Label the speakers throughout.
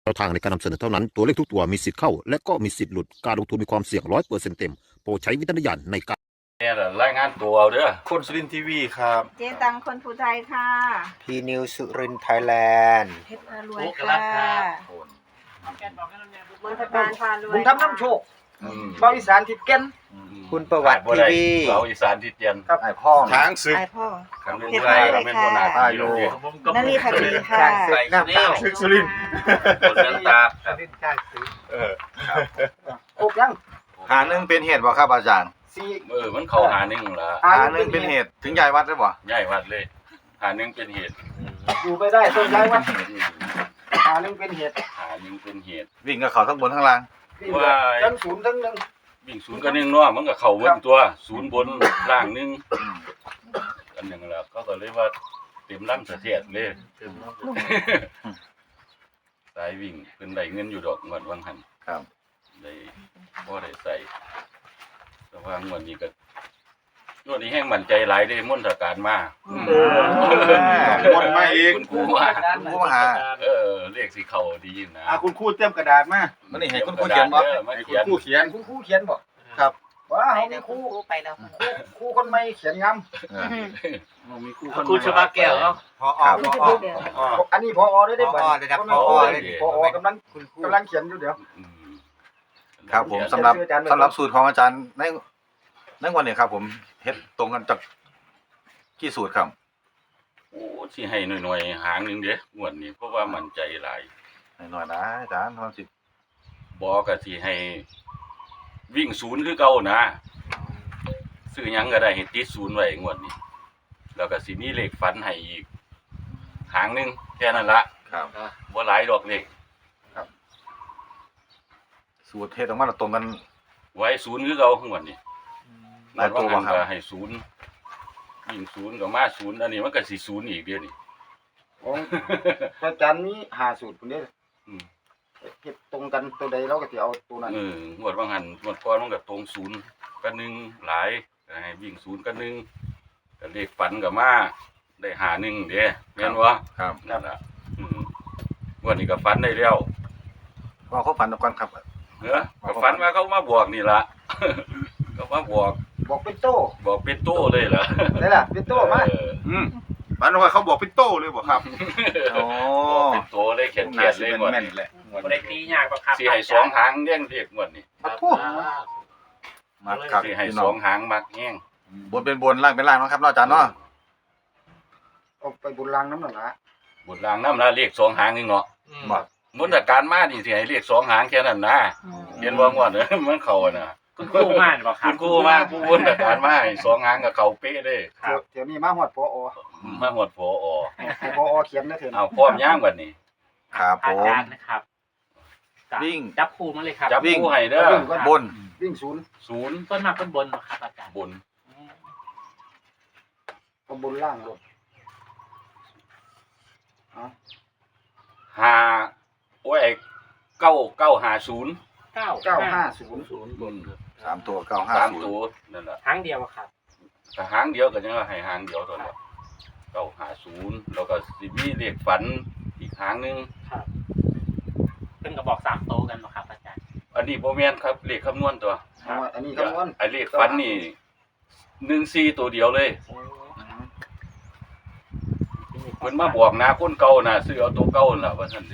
Speaker 1: แนวทางในการนำเสนอเท่านั้นตัวเลขทุกตัวมีสิทธิ์เข้าและก็มีสิทธิ์หลุดการลงทุนมีความเสี่ยง100%เต็มโปรดใช้วิจารณญาณในการ
Speaker 2: เนี่ยแหละรายงานตัวเอาเด้อ
Speaker 3: คนสุรินทร์ทีวีครับ
Speaker 4: เจ๊ตังคนภูไทยค่ะ
Speaker 5: พีนิวสุรินทร์ไทยแลนด์
Speaker 4: เพชรพารวยค่ะมนทการพารวย
Speaker 6: บุญทำน้ำโชค
Speaker 2: อืม
Speaker 6: บาวิสานทิดแก่น
Speaker 5: คุณประวัติทีวี
Speaker 2: เราอีสานที่เตียน
Speaker 6: ครับ
Speaker 5: ไอพ่อง
Speaker 3: ช้างศึก
Speaker 4: ไอพ่อ
Speaker 2: คำนึง
Speaker 4: เพชร
Speaker 2: ไว้
Speaker 4: พารวย
Speaker 2: คำนึงโบนา
Speaker 4: ค่ะ
Speaker 2: อยู่เนี่ย
Speaker 4: นารีพักดีค่ะ
Speaker 6: น้ำตา
Speaker 3: ศึกสุรินทร์
Speaker 2: คนเลี้ยงตา
Speaker 6: โคกยัง
Speaker 7: หาหนึ่งเป็นเหตุบ่ครับอาจารย์
Speaker 6: สี่
Speaker 2: มันเข้าหาหนึ่งละ
Speaker 7: หาหนึ่งเป็นเหตุถึงยายวัดได้บ่
Speaker 2: ใหญ่วัดเลยหาหนึ่งเป็นเหตุ
Speaker 6: อยู่ไปได้ต้นย้ายวัด
Speaker 2: อืม
Speaker 6: หาหนึ่งเป็นเหตุ
Speaker 2: หาหนึ่งเป็นเหตุ
Speaker 7: วิ่งกับเขาทั้งบนทั้งล่าง
Speaker 2: ว่า
Speaker 6: ทั้งศูนย์ทั้งหนึ่ง
Speaker 2: วิ่งศูนย์กับหนึ่งเนาะมันก็เข้าเว้นตัวศูนย์บนล่างหนึ่งอันหนึ่งละก็เลยว่าเต็มลำเสถียรเลยสายวิ่งเป็นได้เงินอยู่ดอกงวดวังหัน
Speaker 7: ครับ
Speaker 2: ได้บ่ได้ใส่แต่ว่างวดนี้ก็งวดนี้แห้งมั่นใจหลายได้มนตการมา
Speaker 3: วนมาอีก
Speaker 2: คุณครูมา
Speaker 7: คุณผู้หา
Speaker 2: เลขสีเขาดีนะ
Speaker 3: คุณครูเต็มกระดาษมา
Speaker 7: มันนี่ให้คุณครูเขียนบ่
Speaker 2: มา
Speaker 3: ให้คุ
Speaker 2: เขี
Speaker 3: ณ
Speaker 2: ยน
Speaker 3: ครูเขียน
Speaker 6: คุณครูเขียนบอก
Speaker 7: ครับ
Speaker 6: ว่า
Speaker 4: ไป
Speaker 6: เขา
Speaker 4: แล้
Speaker 6: มี
Speaker 4: ว
Speaker 6: ครู
Speaker 4: ไปแล้ว
Speaker 6: ครูคนใหม่เขียนงาม
Speaker 3: ครูชบาแก้วเนาะ
Speaker 5: พอ
Speaker 7: ครับ
Speaker 6: อันนี้พอได้ได้บ่
Speaker 5: ผอระดับ
Speaker 6: คน
Speaker 5: ผอ
Speaker 6: นั้น
Speaker 5: เลย
Speaker 6: พอกำลังเขียนอยู่เดี๋ยว
Speaker 2: อืม
Speaker 7: ครับผมสำหรับสูตรของอาจารย์ในวันนี้ครับ ผมเฮ็ดตรงกันจากกี่สูตรครับ
Speaker 2: โอ้สิให้หน่อยๆหางหนึงเด้งวดนี้เพราะว่ามั่นใจหลาย
Speaker 7: หน่อยๆนะอาจารย์ทำสิ
Speaker 2: บอกก็สิให้วิ่งศูนย์คือเก่านะซื้อหยังก็ได้ให้ติดศูนย์ไว้งวดนี้แล้วก็สิมีเลขฝันให้อีกหางหนึงแค่นั้นละ
Speaker 7: ครับ
Speaker 2: บ่หลายดอกเลข
Speaker 7: สูตรเฮ็ดออกมาแล้วตรงกัน
Speaker 2: ไว้ศูนย์คือเก่างวดนี้
Speaker 7: หลายตัว
Speaker 2: บ่
Speaker 7: บ่ครับ
Speaker 2: ก็ให้ศูนย์วิ่งศูนย์ก็มาศูนย์อันนี้มันก็สิศูนย์อีกเดี๋ยวนี้
Speaker 6: ของพระอาจารย์มีหาสูตรคนนี้
Speaker 2: อืม
Speaker 6: เก็บตรงกันตัวใดเราก็จะเอาตัวนั้น
Speaker 2: งวดบางหันงวดก่อนมันก็ตรงศูนย์กับหนึ่งหลายก็ให้วิ่งศูนย์กับหนึ่งก็เลขฝันกับมาได้หาหนึ่งเด้แม่นบ่
Speaker 7: ครับ
Speaker 2: นั่นล่ะงวดนี้ก็ฝันได้แล้ว
Speaker 7: ว่าเขาฝันตรงกันครับ
Speaker 2: เด้อก็ฝันว่าเขามาบอกนี่ล่ะ ก็มาบอก
Speaker 6: บอกเป็นโต้
Speaker 2: บอกเป็นโต้เลยล่ะ
Speaker 6: ได้ล่ะเป็นโต้มา
Speaker 2: เออ
Speaker 3: ฝันว่าเขาบอกเป็นโต้เลยบ่ครับ
Speaker 7: โอ้
Speaker 2: บอกเป็นโต้เลยเขียนเลยงวด
Speaker 3: แม่น
Speaker 2: นี้
Speaker 3: แหละ
Speaker 8: บ่ได้ตียากบ่ครับ
Speaker 2: สิให้สองหางแย่งเรียกงวดนี้
Speaker 7: ขอโทษมาครับ
Speaker 2: สิให้
Speaker 7: พี่
Speaker 2: ส
Speaker 7: น้
Speaker 2: อ
Speaker 7: อง
Speaker 2: งหางมักแย่ง
Speaker 7: บนเป็นบนล่างเป็นล่างเนาะครับเนาะอาจารย์เนาะ
Speaker 6: เอาไปบุญรังน้ำหนักละ
Speaker 2: บุญรางน้ำละเลขสองหางนึงเนาะ
Speaker 7: บ่
Speaker 2: มนตการมานี่สิให้เลขสองหางแค่นั้นนะเห็นว่างวด มันเข้าอะนะ
Speaker 8: คุณครูมาหรือเปล่าค
Speaker 2: คุ
Speaker 8: รับ
Speaker 2: ณครูมาผู้วนแต่การมาให้สองหางกับเขาเป๊ะเลย
Speaker 6: เดี๋ยวนี้มาหอดพอ
Speaker 2: มาหมดพออ
Speaker 6: ให้พอเขียนนะเถอะ
Speaker 2: เอาพร้อมย่างวันนี้
Speaker 7: ครับผ
Speaker 8: อาม จารย์นะครับจับ
Speaker 7: วิ่ง
Speaker 8: จับครูมาเลยครับ
Speaker 2: จับผู้ให้เด้อบ
Speaker 7: น
Speaker 6: วิ่งศูนย์
Speaker 2: ศูนย์
Speaker 8: ต้นมาต้นบนเหรอครับอาจารย์
Speaker 2: บน
Speaker 6: เอาบนล่างลงเอา
Speaker 2: หาโอ้ยไอ้9 5 0
Speaker 6: 950
Speaker 2: บน
Speaker 7: 3 ตัว
Speaker 2: สาม
Speaker 7: 950
Speaker 2: ตัวนั่นแหละ
Speaker 8: ครั้งเดียวอะครับ
Speaker 2: แต่หางเดียวก็ยังว่าให้หางเดียวตอนนี้950แล้วก็สิมีเลขฝันอีกหางหนึง
Speaker 8: ครับเพิ่นก็บอก3โตวกันเหรอครับอาจารย์
Speaker 2: อันนี้บ่แม่นครับเลขคำนวณตัว
Speaker 6: เอาอันนี้คำนวณ
Speaker 2: ไอ้เลขฝันนี่14ตัวเดียวเลยเพิ่นมาบอกนะคนเก่าน่ะซื้อเอาตัวเก่าน่ะว่าซั่นสิ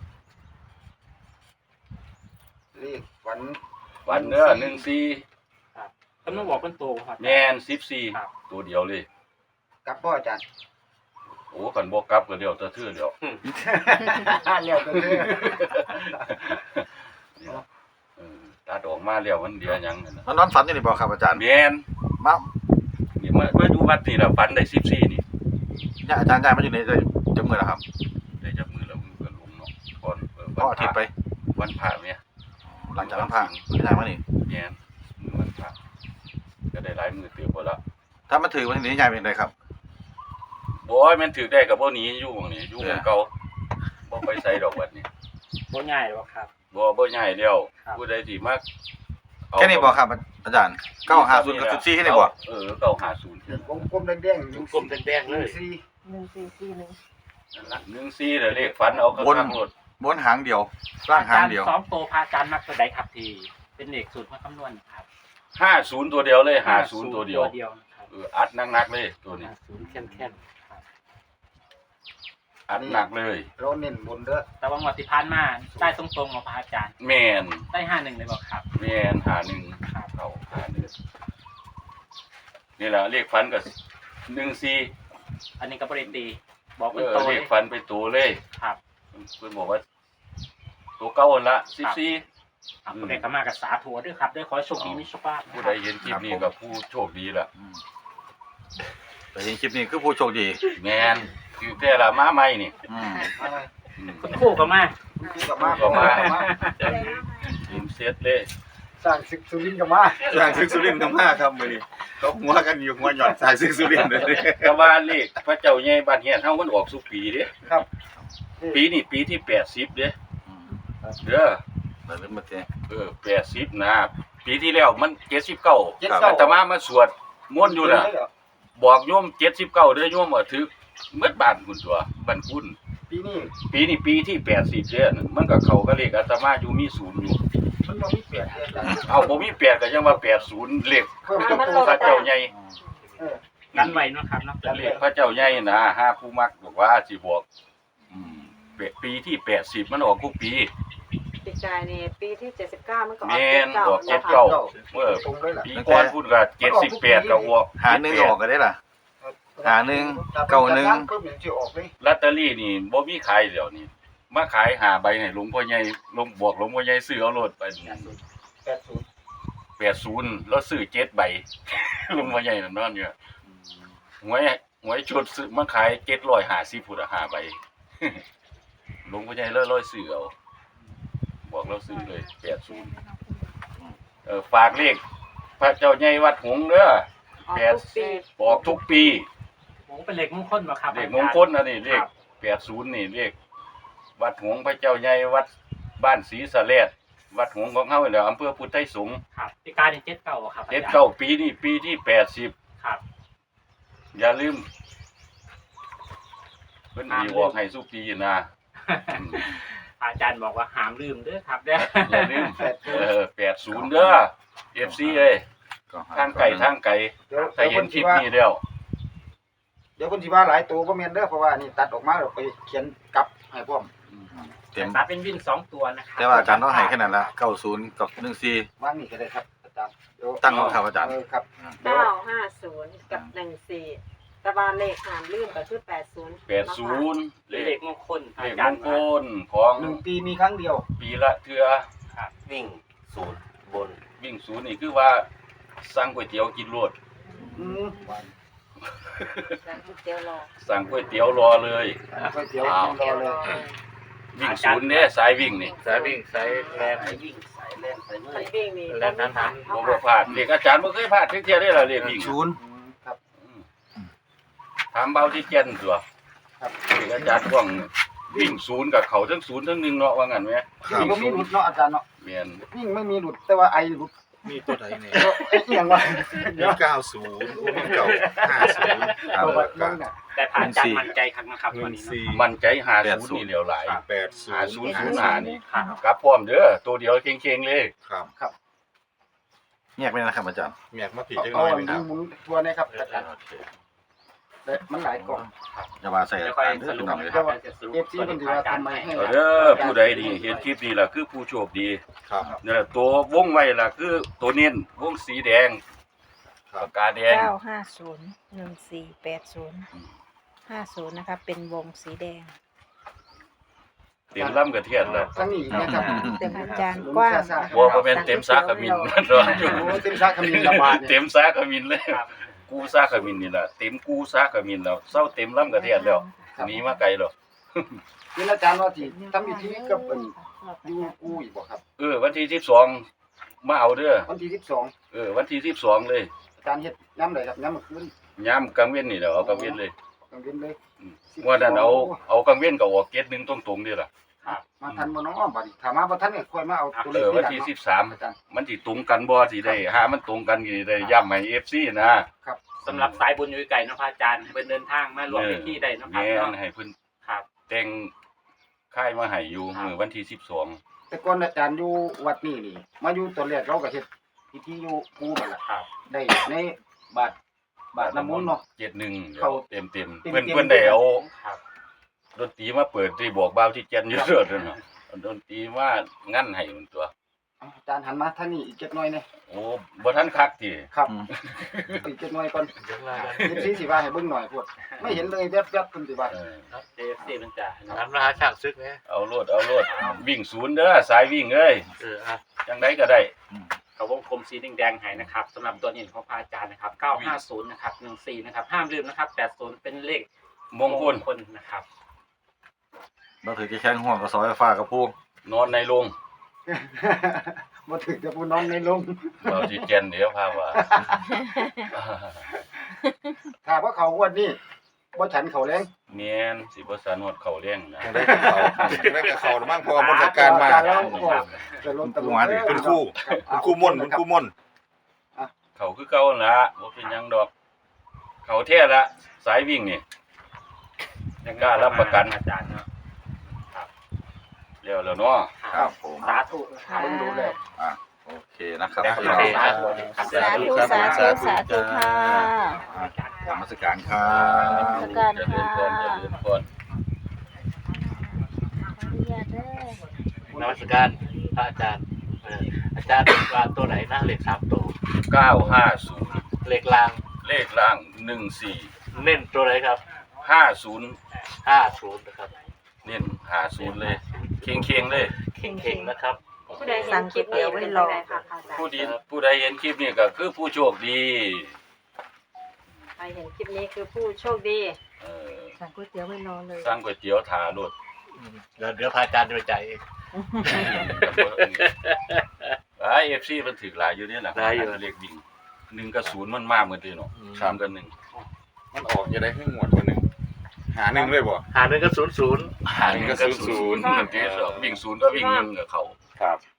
Speaker 6: เลขฝัน
Speaker 2: ฝันเด้อ14
Speaker 8: เพิ่นมาบอกเป็นโตวครับ
Speaker 2: แม่น
Speaker 8: ครับ
Speaker 2: 14ตัวเดียวเลย
Speaker 6: กับพ่ออาจารย์
Speaker 2: โอ้กันบ่กลับก็เดียวแตะทื่อเดียว
Speaker 6: เรียกกันเลย
Speaker 2: ตัดออกมาแล้วมันเดียวหยังนั่นน่ะ
Speaker 7: มันนอนฝันอยู่นี่บ่ครับอาจารย์
Speaker 2: แม่น
Speaker 7: มา
Speaker 2: นี่มาดูวัดนี่ล่ะฝันได้14นี่
Speaker 7: เนี่ยอาจารย์ย้ายมาอยู่ในจังมื้อแล้วครับ
Speaker 2: ได้จับมือแล้วมือก็ลงเนาะก่อน
Speaker 7: พออาทิตย์ไป
Speaker 2: วันพระเนี่ย
Speaker 7: หลังจากนั้นผ่านย้ายมานี่
Speaker 2: แม่นมือวันพระก็ได้หลายมือเตือบ่ละ
Speaker 7: ถ้ามันถือวันนี้ย้ายเป็นไดครับ
Speaker 2: บ่ยมันถือได้ก็บ่หนีอยู่หม้องนี้อยู่หม้องเก่าบ่ไปใส่ดอกวัดนี่
Speaker 8: บ่ง่ายหรอกครับ
Speaker 2: บ่ย้ายแล้ว
Speaker 8: ครับ
Speaker 2: ผู้ใดสิมาเอา
Speaker 7: แค่นี้บ่ครับอาจารย์950กับ14แค่นี้บ่
Speaker 2: 950
Speaker 6: วงกลมแดงๆ
Speaker 8: กลมแดงๆเลย
Speaker 6: สี่
Speaker 4: 1441
Speaker 2: นั่นล่ะ14น่ะเลขฝันเอากระทั่งรถ
Speaker 7: บนหางเดียวล่างหางเดียว
Speaker 8: สองโตพระอาจารย์มักตัวใดครับที่เป็นเลขสูตรมาคำนวณครับ
Speaker 2: 50ตัวเดียวเลย50ตัวเดียว
Speaker 8: นะครับ
Speaker 2: อัดหนักๆเลยตัวนี้
Speaker 8: 50เข้มๆครับ
Speaker 2: อัดหนักเลย
Speaker 6: เราเน้นบนเด้อ
Speaker 8: แต่ว่างวดที่ผ่านมาได้ตรงๆมาพระอาจารย์
Speaker 2: แม่น
Speaker 8: ได้51เลยบอกครับ
Speaker 2: แม่น51
Speaker 8: ครับ
Speaker 2: เข้า51นี่ล่ะเลขฝันก็14
Speaker 8: อันนี้ก็บริตีบอก
Speaker 2: เอ
Speaker 8: เป็น
Speaker 2: อ
Speaker 8: โต
Speaker 2: เล
Speaker 8: เลย
Speaker 2: ขฝันไปตัวเลย
Speaker 8: ครับ
Speaker 2: เพิ่นบอกว่าตัวเก่าหั่นละ14
Speaker 8: ครับผู้ใดก็มากับสาธุด้วยครับด้วยขอให้โชคดีมีโชคลาภนะ
Speaker 2: ผู้
Speaker 8: ค
Speaker 2: ใด
Speaker 8: รับ
Speaker 2: เห็นคลิปนี้ก็ผู้โชคดีล่ะ
Speaker 7: แต่เห็นคลิปนี้คือผู้โชคดี
Speaker 2: แม่นคือแต่ละมาใหม่นี่
Speaker 7: อืม
Speaker 2: อืม
Speaker 8: คุณครู่ก็มา
Speaker 6: คู่กับมา
Speaker 2: ก็มา
Speaker 4: อะไรนะ
Speaker 2: ทีมเซตเลย
Speaker 6: สร้างศึกสุรินทร์กับมา
Speaker 3: สร้างซึกสุรินทร์กันมาครับมื้อนี้เขาหัวกันอยู่หัวหย่อนสร้างซึกสุรินทร์เลย
Speaker 2: แต่ว่าเลขพระเจ้าใหญ่บ้านเฮียนเฮามันออกสุปีเด้
Speaker 6: ครับ
Speaker 2: ปีนี้ปีที่80เด้
Speaker 7: อืม
Speaker 2: เด้อ
Speaker 7: แต่เรื่องมาเจ๊
Speaker 2: 80นะปีที่แล้วมัน79อาตมามาสวดมนต์อยู่น่ะบอกโยม79เด้อโยมว่าถึกเบิดบ้านคุณตัวบ้านคุณ
Speaker 6: ปีนี้
Speaker 2: ปีนี้ปีที่80เด้อมันก็เข้ากับเลขอาตมาอยู่มี0อยู่
Speaker 6: มันบ่มีเปลี่ยนเลย
Speaker 2: เอาบ่มี8ก็ยังว่า80เลข
Speaker 6: เพิ่ม
Speaker 2: เจ้าปู่พระเจ้าใหญ่
Speaker 6: เออ
Speaker 8: กันไว้เนาะครับเนาะ
Speaker 2: เลขพระเจ้าใหญ่นะหาผู้มักบอกว่าสิบอกอืมปีที่80มันออกทุกปี
Speaker 4: ปีกายนี่ปีที่79มันก็ออก
Speaker 2: แม่นออก
Speaker 4: 79
Speaker 2: 79เมื่อ
Speaker 6: ตรงเลยล่ะ
Speaker 2: ปีก่อนพูดก็78ก็ออก
Speaker 7: หาหนึ่งออกก็ได้ล่ะ หาหนึ่งเก้าหนึ่ง
Speaker 6: เพิ่มอย่างที่ออกเลย
Speaker 2: ลอตเตอรี่นี่บ่มีขายเดี๋ยวนี้มาขาย5ใบให้หลวงพ่อใหญ่หลวงบอกหลวงพ่อใหญ่ซื้อเอาโลดไป
Speaker 6: 80
Speaker 2: 80แล้วซื้อ7ใบ หลวงพ่อใหญ่นั่นนอนอยู่หวยชุดซื้อมาขาย750พุ่น5ใบ หลวงพ่อใหญ่เลยซื้อเอาบอกเราซื้อเลย80ฝากเลขพระเจ้าใหญ่วัดหงส์เด้อ
Speaker 4: ออกทุกปี
Speaker 2: บอกทุกปี
Speaker 8: โอ้เป็นเลขมงคลบ่ครับ
Speaker 2: เลขมงคลนะนี่เลข80นี่เลขวัดหงส์พระเจ้าใหญ่วัดบ้านศรีสะแลดวัดหงส์ของเฮานี่แหละอำเภอพุทธไทยสงฆ์
Speaker 8: ครับปีกายนี่79ครับอาจารย์
Speaker 2: 79ปีนี้ปีที่80
Speaker 8: ครับ
Speaker 2: อย่าลืมเพิ่นสิบอกให้สุปีนะ
Speaker 8: อาจารย์บอกว่าห้ามลืมเด้อครับเด้อ
Speaker 2: อย่าลืม80เด้อ FC เอ้ย
Speaker 7: ก็ห
Speaker 2: ทางไก่ทางไก่
Speaker 6: เดี๋ยว
Speaker 2: ถ้าเห็นคลิปนี้แล้ว
Speaker 6: เดี๋ยวคนที่ว่าหลายตัวบ่แม่นเด้อเพราะว่านี่ตัดออกมาแล้วไปเขียนกลับให้พร้อม
Speaker 7: เต็ม
Speaker 8: ตัดเป็นวิ่ง2ตัวนะครับ
Speaker 7: แต่ว่าอาจารย์ต้องให้แค่นั้นละ90กับ14
Speaker 6: วางนี่ก็ได้ครับอาจารย์เดี๋ยว
Speaker 7: ตั้งของครับอาจารย์
Speaker 6: ครับ
Speaker 4: 950กับ14แต่ว่าเลขหามลืมก็คือ80
Speaker 2: 80เล
Speaker 8: เล
Speaker 2: ข
Speaker 8: ขมงคล
Speaker 2: เล
Speaker 8: อา
Speaker 2: ข
Speaker 8: จาม ร
Speaker 2: ง
Speaker 8: ย์
Speaker 2: คลของ
Speaker 6: 1 ปีมีครั้งเดียว
Speaker 2: ปีละเทื่อ
Speaker 9: วิ่งศูนย์บน
Speaker 2: วิ่งศูนย์นี่คือว่าสั่งก๋วยเตี๋ยวกินรวด
Speaker 6: อืม
Speaker 4: แล้วก๋วยเตี๋ยวรอ
Speaker 2: สั่งก๋วยเตี๋ยวรอเลย
Speaker 6: ก๋วยเตี๋ยว
Speaker 2: อ้าว
Speaker 6: รอเลย
Speaker 2: วิ่งศูนย์เนี่ยสายวิ่งนี่
Speaker 9: สายวิ่งสายแลนสายวิ่งสายแลนสายเมื่
Speaker 4: มั
Speaker 9: อน ย
Speaker 4: วิ่งนี่
Speaker 9: แล้วนั้น
Speaker 2: บ่บ่พลาดเด็กอาจารย์บ่เคยพลาดเที่ยได้ล่ะเรียกวิ่ง
Speaker 6: อืมครับ
Speaker 2: ถามเบาที่เจนตัว
Speaker 6: ครับ
Speaker 2: เด็กอาจารย์ว่างวิ่งศูนย์กับเขาทั้งศูนย์ทั้งหนึ่งเนาะว่างั้นไหม
Speaker 6: วิ่งบ่มีหลุดเนาะอาจารย์เนาะ
Speaker 2: แม่น
Speaker 6: วิ่งไม่มีหลุดแต่ว่าไอหลุด
Speaker 3: มีตัวไหนเนี่ย
Speaker 6: เอ๊ะอีหยังวะ
Speaker 3: มี90มี950
Speaker 7: ครับ
Speaker 6: ตัวแบบนั้นน่ะ
Speaker 8: แต่พระอาจารย์มั่นใจครั้งนะครับวันนี้เนาะ
Speaker 2: มั่นใจหาศูนย์นี่เหลียวหลาย
Speaker 3: 80
Speaker 2: หาศูนย์ศูนย์หานี่
Speaker 8: ครับ
Speaker 2: กลับพร้อมเด้อตัวเดียวเก่งๆเลย
Speaker 3: ครับ
Speaker 7: แยกไปนะครับอาจารย์
Speaker 3: แมกมาผิดจังห
Speaker 6: เอา
Speaker 3: น่อย
Speaker 6: อัน
Speaker 3: หนึงค
Speaker 6: นี้
Speaker 3: รับ
Speaker 6: หมุนตัวนี้ครับอาจารย์แต่มันหลายกล่อง
Speaker 7: อย่าว่าใส่
Speaker 8: เดี๋ยว
Speaker 7: อา
Speaker 8: ค่อย
Speaker 7: จารย์เด้อ
Speaker 8: สรุ
Speaker 7: พี่
Speaker 8: ป
Speaker 7: น้องเลย
Speaker 8: นะครับจะสรุป
Speaker 6: เอฟซีมันถือว่าทำไมให้
Speaker 2: เอาเด้อผู้ใดดีเห็นคลิปนี้ล่ะคือผู้โชคดี
Speaker 3: ครับ
Speaker 2: นี่แหละตัววงไว้ล่ะคือตัวเน้นวงสีแดงปากกาแดง
Speaker 4: 9501480 นะคะเป็นวงสีแดง
Speaker 2: เต็มล่ำกระเทียนแล้ว
Speaker 6: ทั้งนี้นะครับ
Speaker 4: เต็มอาจารย์กว้าง
Speaker 2: บัวบ่แม่นเต็มซากขมิ้นมันร้อนอยู่
Speaker 6: โอ้เต็มซากขมิ้นระบาดเนี่ย
Speaker 2: เต็มซากขมิ้นเลยกูซากขมิ้นนี่ล่ะเต็มกูซากขมิ้นแล้วเศร้าเต็มล่ำกระเทียนแล้วหนีมาไกลแล้ว
Speaker 6: นี่อาจารย์ว่าที่ทำพิธีกับเป็นยูกูอีกบ่ครับ
Speaker 2: วันที่12มาเอาเด้อ
Speaker 6: วันที่
Speaker 2: วันที่12เลย
Speaker 6: 12อาจารย์เฮ็ดย้ำเลยครับย้ำเมื่อคืน
Speaker 2: ยามกลางเว้นนี่แหละเอากลางเว้นเลย
Speaker 6: กลางเว้นเลย
Speaker 2: ว่านั้นเอากลางเว้นก็ออกเกตหนึงตรงๆนี่ล่ะ
Speaker 6: มาทันบ่เน้องบัดนี้ถ้ามาบ่ทันเนี่ยค่อยมาเอาตัวเลข
Speaker 2: วันที่
Speaker 6: อาจารย์
Speaker 2: 13มันสิตรงกันบ่สิได้หามันตรงกันสิได้ย้ำให้ FC นะ
Speaker 8: สำหรับสายบุญอยู่ไกลเนาะพระอาจารย์ให้เพิ่นเดินทางมารวมพิธีได้เนาะครับ
Speaker 2: แม่น
Speaker 8: เนาะ
Speaker 2: ให้เพิ่น
Speaker 8: ครับ
Speaker 2: แต่งค่ายมาให้อยู่มื้อวันที่12
Speaker 6: แต่ก่อนอาจารย์อยู่วัดนี่นี่มาอยู่ตอนแรกเราก็เฮ็ดพิธีอยู่ปูนั่นล่ะ
Speaker 8: ครับ
Speaker 6: ได้ในบาทน้ำมนต์เนาะ
Speaker 2: 71
Speaker 6: เข้า
Speaker 2: เต็ม
Speaker 6: เต็ม
Speaker 2: เพิ่นได้เอา
Speaker 8: ครับ
Speaker 2: ดนตรีมาเปิดที่บอกบ่าวที่แก่นอยู่เด้อเนาะเอาดนตรีมางั้นให้มันตัว
Speaker 6: เอาอาจารย์หันมาทางนี้อีกจักหน่อยนี่
Speaker 2: โอ้บ่ทันคักติ
Speaker 6: ครับอีกจักหน่อยก่อนสิสิว่าให้เบิ่งหน่อยพวดไม่เห็นเลยแวบๆเพิ่นสิว่า
Speaker 2: เออ
Speaker 8: เอฟซีมันจะ
Speaker 9: น้ำราคาช่างซึกนะ
Speaker 2: เอาโลดวิ่งศูนย์เด้อสายวิ่งเอ้ย
Speaker 9: อ่ะ
Speaker 2: จังไดก็ได้
Speaker 8: เขาวงกลมสีแดงๆให้นะครับสำหรับตัวนี้ของพระอาจารย์นะครับ950นะครับ14นะครับห้ามลืมนะครับ80เป็นเลข
Speaker 2: มงคล
Speaker 8: นะครับ
Speaker 7: เราถือจะแข้งห่วงกับซอยฟ้ากับผู้
Speaker 2: นอนในโรง
Speaker 6: บ่ถึกจะผู้นอนในลง
Speaker 2: บ่าวที่แก่นเดี๋ยวพาว่า
Speaker 6: ถ้าว่าเขางวดนี้บ่ฉันเขาแรง
Speaker 2: แม่นสิบ่สานวดเข้าเลี้ยงนะ
Speaker 3: จังได้กับเขาจังได้กับเขามั่งเพอมนต์การมา
Speaker 6: แล้วก็จะลงตะลุ
Speaker 3: คุณครูคุณครูม่นคุณครูม่น
Speaker 2: เขาคือเก่านั่นล่ะบ่เป็นหยังดอก เขาแท้ละสายวิ่งนี่ กล้ารับประกัน
Speaker 8: อาจารย์เนาะ
Speaker 2: แล้วเนาะ
Speaker 7: ครับผม
Speaker 8: สาธุนะครับ
Speaker 6: เบิ่งดูแล้ว
Speaker 7: โอเคนะครับ
Speaker 8: โอ
Speaker 7: พี่
Speaker 8: เค
Speaker 7: น้อง
Speaker 8: ครับ
Speaker 10: สาธุสาธุสาธุค่ะ
Speaker 7: นมัสการครับ
Speaker 10: สการ
Speaker 2: เจริญพรเจริญพร
Speaker 9: นมัสการพระอาจารย์อาจารย์ว่าตัวไหนนะเลข3ตัว
Speaker 2: 950
Speaker 9: เลขล่าง
Speaker 2: เลขล่าง14
Speaker 9: เน้นตัวไหนครับ
Speaker 2: 50
Speaker 9: 50นะครับ
Speaker 2: เน้น50เลยเค็งๆเลย
Speaker 9: เข่งๆนะครับ
Speaker 4: ผู้ใดเห็นคลิปนี้เป็นจังไดค่ะอาจารย์
Speaker 2: ผู้ใดเห็นคลิปนี้ก็คือผู้โชคดี
Speaker 4: ใครเห็นคลิปนี้คือผู้โชคดี
Speaker 2: เออ
Speaker 10: สั่งก๋วยเตี๋ยวไว้รอเลย
Speaker 2: สั่งก๋วยเตี๋ยวถาโลด
Speaker 9: เดี๋ยวพระอาจารย์จะไปจ่ายเอง
Speaker 2: FC มันถึกหลายอยู่นี่ล่ะ
Speaker 9: หลายอยู่
Speaker 2: เลขวิ่ง1กับ0มันมาเหมือนเดิมเนาะ3กับ1
Speaker 3: มันออกจะได้ให้หมวดวันหนึ่งหาหนึ่งเลยบ่
Speaker 9: หา1ก็00
Speaker 2: 1กับ0 1กับ0วิ่ง0ก็วิ่ง1กับเขา
Speaker 3: ครับ